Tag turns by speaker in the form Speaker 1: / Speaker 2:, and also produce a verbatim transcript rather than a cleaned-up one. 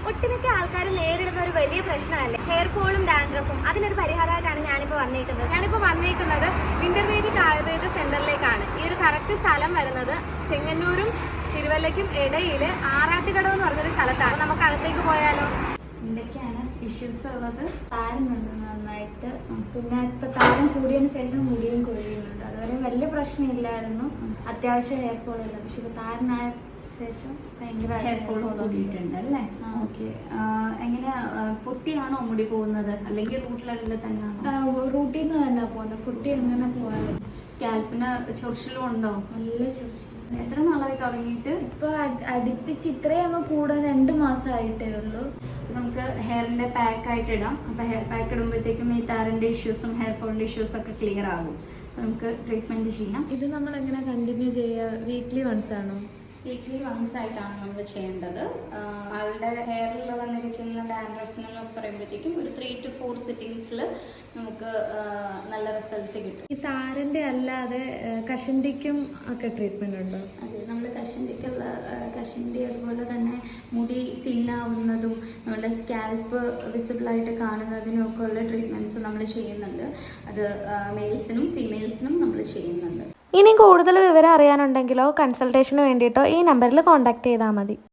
Speaker 1: ഒട്ടുമിക്ക ആൾക്കാർ നേരിടുന്ന ഒരു വലിയ പ്രശ്നമല്ലേ ഹെയർ ഫോളും ഡാൻഡ്രഫും. അതിനൊരു പരിഹാരമായിട്ടാണ് ഞാനിപ്പോൾ വന്നേക്കുന്നത്. ഞാനിപ്പോൾ വന്നേക്കുന്നത് ഇന്റർവേദിക് ആയുർവേദ സെന്ററിലേക്കാണ്. ഈ ഒരു കറക്റ്റ് സ്ഥലം വരുന്നത് ചെങ്ങന്നൂരും തിരുവല്ലയ്ക്കും ഇടയിൽ ആറാട്ടുകടവ് എന്ന് പറഞ്ഞൊരു സ്ഥലത്താണ്. നമുക്ക് അകത്തേക്ക് പോയാലോ?
Speaker 2: എന്തൊക്കെയാണ് ഇഷ്യൂസ് ഉള്ളത്? താരനുണ്ട് നന്നായിട്ട്, പിന്നെ ഇപ്പൊ താരം കൂടിയതിന് ശേഷം മുടിയും കൊഴിയുന്നുണ്ട്. അതുവരെ വലിയ പ്രശ്നമില്ലായിരുന്നു, അത്യാവശ്യം ഹെയർ ഫോൾ ഇല്ല. പക്ഷെ ഇപ്പൊ താരനായ ശേഷം ഭയങ്കര
Speaker 3: ഹെയർ ഫോൾ കൂടിയിട്ടുണ്ട് അല്ലേ? ഓക്കെ. എങ്ങനെയാ, പൊട്ടിയാണോ മുടി പോകുന്നത് അല്ലെങ്കിൽ റൂട്ടിലല്ല തന്നെയാണോ?
Speaker 2: റൂട്ടിൽ നിന്ന് തന്നെ പോകുന്നത്. പൊട്ടി എങ്ങനെ പോകാറ്?
Speaker 3: സ്കാൽപ്പിന് ചൊറിച്ചിലും ഉണ്ടോ?
Speaker 2: നല്ല ചൊറിച്ചിൽ.
Speaker 3: എത്ര നാളായി തുടങ്ങിയിട്ട്?
Speaker 2: ഇപ്പൊ അടുപ്പിച്ച് ഇത്രയും അങ്ങ് കൂടാൻ രണ്ട് മാസമായിട്ടേ ഉള്ളൂ.
Speaker 3: നമുക്ക് ഹെയറിന്റെ പാക്ക് ആയിട്ട് ഇടാം. അപ്പൊ ഹെയർ പാക്ക് ഇടുമ്പോഴത്തേക്കും ഈ താരന്റെ ഇഷ്യൂസും ഹെയർ ഫോളിന്റെ ഇഷ്യൂസും ഒക്കെ ക്ലിയർ ആകും. നമുക്ക് ട്രീറ്റ്മെന്റ് ചെയ്യാം.
Speaker 2: ഇത് നമ്മൾ എങ്ങനെ കണ്ടിന്യൂ ചെയ്യുക? വീക്ക്ലി വൺസ് ആണോ?
Speaker 3: വീക്ക്ലി വൺസ് ആയിട്ടാണ് നമ്മൾ ചെയ്യേണ്ടത്. ആളുടെ ഹെയറിൽ വന്നിരിക്കുന്ന ഡാൻഡ്രഫ് എന്നൊക്കെ പറയുമ്പോഴത്തേക്കും ഒരു ത്രീ ടു ഫോർ സിറ്റിങ്സിൽ നമുക്ക് നല്ല റിസൾട്ട് കിട്ടും.
Speaker 2: ഈ താരന്റെ അല്ലാതെ കഷണ്ടിക്കും ഒക്കെ ട്രീറ്റ്മെന്റ് ഉണ്ടോ?
Speaker 3: അതെ, നമ്മൾ കഷണ്ടിക്കുള്ള കഷണ്ടി അതുപോലെ തന്നെ മുടി തിന്നാവുന്നതും നമ്മുടെ സ്കാൽപ്പ് വിസിബിളായിട്ട് കാണുന്നതിനും ഒക്കെ ഉള്ള ട്രീറ്റ്മെന്റ്സ് നമ്മൾ ചെയ്യുന്നുണ്ട്. അത് മെയിൽസിനും ഫീമെയിൽസിനും നമ്മൾ ചെയ്യുന്നുണ്ട്.
Speaker 4: ഇനി കൂടുതൽ വിവരം അറിയാനുണ്ടെങ്കിലോ കൺസൾട്ടേഷന് വേണ്ടിയിട്ടോ ഈ നമ്പറിൽ കോൺടാക്ട് ചെയ്താൽ മതി.